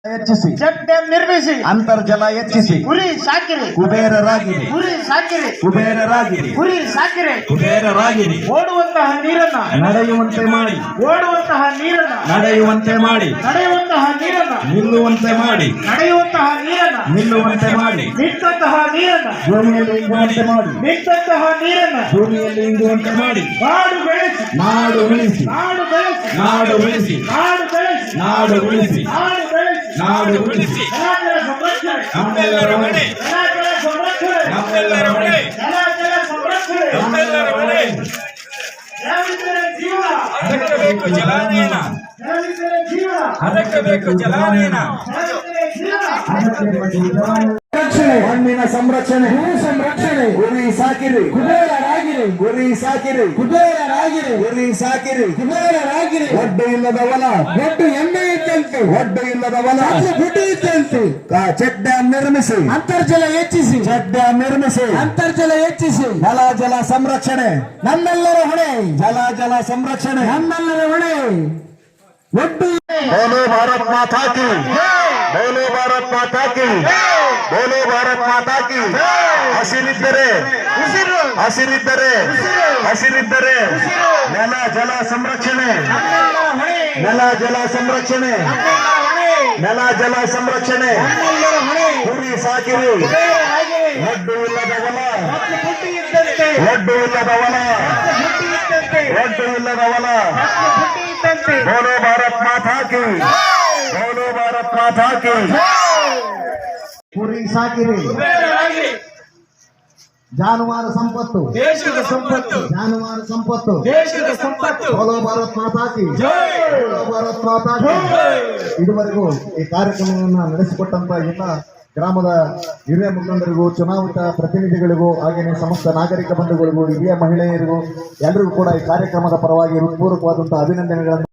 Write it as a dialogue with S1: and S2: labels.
S1: ಹೆಚ್ಚಿಸಿ
S2: check dam ನಿರ್ಮಿಸಿ
S1: ಅಂತರ್ಜಲ ಹೆಚ್ಚಿಸಿ
S2: ಗುರಿ ಸಾಕಿರಿ
S1: ಕುಬೇರರಾಗಿರಿ
S2: ಗುರಿ ಸಾಕಿರಿ
S1: ಕುಬೇರರಾಗಿರಿ
S2: ಗುರಿ ಸಾಕಿರಿ
S1: ಕುಬೇರರಾಗಿರಿ
S2: ಓಡುವಂತಹ ನೀರನ್ನ
S1: ನಡೆಯುವಂತೆ ಮಾಡಿ
S2: ಓಡುವಂತಹ ನೀರನ್ನ
S1: ನಡೆಯುವಂತೆ ಮಾಡಿ
S2: ನಡೆಯುವಂತಹ ನೀರನ್ನ
S1: ನಿಲ್ಲುವಂತೆ ಮಾಡಿ
S2: ನಡೆಯುವಂತಹ ನೀರನ್ನ
S1: ನಿಲ್ಲುವಂತೆ ಮಾಡಿ
S2: ನಿಂತಹ ನೀರನ್ನ
S1: ಭೂಮಿಯಲ್ಲಿ ಇಂಗುವಂತೆ ಮಾಡಿ
S2: ನಿಂತಹ ನೀರನ್ನ
S1: ಭೂಮಿಯಲ್ಲಿ ಇಂಗುವಂತೆ ಮಾಡಿ
S2: ನಾಡು ಬೆಳೆಸಿ
S1: ನಾಡು ಉಳಿಸಿ
S2: ನಾಡು ಬೆಳೆಸಿ
S1: ನಾಡು ಉಳಿಸಿ
S2: ನಾಡು ಬೆಳೆಸಿ
S1: ನಾಡು ಉಳಿಸಿ
S2: ನಾಡು ಬೆಳೆಸಿ
S1: ನಾಡು ಉಳಿಸಿ
S2: ಜಲಜಲ ಸಂರಕ್ಷಣೆ
S1: ನಮ್ಮೆಲ್ಲರ ಹೊಣೆ
S2: ಜಲಜಲ ಸಂರಕ್ಷಣೆ
S1: ನಮ್ಮೆಲ್ಲರ ಹೊಣೆ
S2: ಜಲಜಲ ಸಂರಕ್ಷಣೆ
S1: ನಮ್ಮೆಲ್ಲರ ಹೊಣೆ
S2: ಜಲವಿದ್ದರೆ ಜೀವ
S3: ಅದಕ್ಕೆ ಬೇಕು ಜಲಾನಯನ
S2: ಜಲವಿದ್ದರೆ ಜೀವ
S3: ಅದಕ್ಕೆ ಬೇಕು ಜಲಾನಯನ
S2: ಜಲವಿದ್ದರೆ ಜೀವ
S1: ಮಣ್ಣಿನ ಸಂರಕ್ಷಣೆ ಭೂ ಸಂರಕ್ಷಣೆ ಗುರಿ ಸಾಕಿರಿ ಕುಬೇರರಾಗಿರಿ ಗುರಿ ಸಾಕಿರಿ ಕುಬೇರರಾಗಿರಿ ಗುರಿ ಸಾಕಿರಿ ಕುಬೇರರಾಗಿರಿ ಒಡ್ಡು ಇಲ್ಲದ ಹೊಲ ಒಡ್ಡು ಎಮ್ಮೆ ಇದ್ದಂತೆ ಒಡ್ಡು ಇಲ್ಲದ ಹೊಲ ಗುಡ್ಡು ಇದ್ದಂತೆ ಚೆಕ್ ಡ್ಯಾಂ ನಿರ್ಮಿಸಿ ಅಂತರ್ಜಲ ಹೆಚ್ಚಿಸಿ ಚೆಕ್ ಡ್ಯಾಂ ನಿರ್ಮಿಸಿ ಅಂತರ್ಜಲ ಹೆಚ್ಚಿಸಿ ಜಲ ಸಂರಕ್ಷಣೆ ನಮ್ಮೆಲ್ಲರ ಹೊಣೆ ಜಲ ಸಂರಕ್ಷಣೆ ನಮ್ಮೆಲ್ಲರ ಹೊಣೆ ಒಡ್ಡು ಬೋಲೋ ಭಾರತ್ ಮಾತಾ ಕಿ ಬೋಲೋ ಭಾರತ್ ಮಾತಾ ಕಿ ಬೋಲೋ ಭಾರತ್ ಮಾತಾ ಕಿ ಹಸಿರಿದ್ದರೆ ಹಸಿರಿದ್ದರೆ ನೆಲ ಜಲ ಸಂರಕ್ಷಣೆ ನೆಲ ಜಲ ಸಂರಕ್ಷಣೆ ನೆಲ ಜಲ ಸಂರಕ್ಷಣೆ ಗುರಿ ಸಾಕಿರಿ ಒಡ್ಡು ಇಲ್ಲದ ಹೊಲ ಒಡ್ಡು ಇಲ್ಲದ ಹೊಲ ಒಡ್ಡು ಇಲ್ಲದ ಹೊಲ ಬೋಲೋ ಭಾರತ್ ಮಾತಾ ಕಿ ಬೋಲೋ ಭಾರತ್ ಮಾತಾ ಕಿ ಕುರಿ ಸಾಕಿರಿ ಜಾನುವಾರು ಸಂಪತ್ತು
S3: ದೇಶದ ಸಂಪತ್ತು
S1: ಜಾನುವಾರು ಸಂಪತ್ತು
S3: ದೇಶದ ಸಂಪತ್ತು
S1: ಬೋಲೋ ಭಾರತ್ ಮಾತಾ ಕಿ ಬೋಲೋ ಭಾರತ್ ಮಾತಾ ಕಿ ಇದುವರೆಗೂ ಈ ಕಾರ್ಯಕ್ರಮವನ್ನು ನಡೆಸಿಕೊಟ್ಟಂತ ಎಲ್ಲ ಗ್ರಾಮದ ಹಿರಿಯ ಮುಖಂಡರಿಗೂ ಚುನಾಯಿತ ಪ್ರತಿನಿಧಿಗಳಿಗೂ ಹಾಗೆಯೇ ಸಮಸ್ತ ನಾಗರಿಕ ಬಂಧುಗಳಿಗೂ ಹಿರಿಯ ಮಹಿಳೆಯರಿಗೂ ಎಲ್ಲರಿಗೂ ಕೂಡ ಈ ಕಾರ್ಯಕ್ರಮದ ಪರವಾಗಿ ಹೃತ್ಪೂರ್ವಕವಾದಂತಹ ಅಭಿನಂದನೆಗಳನ್ನು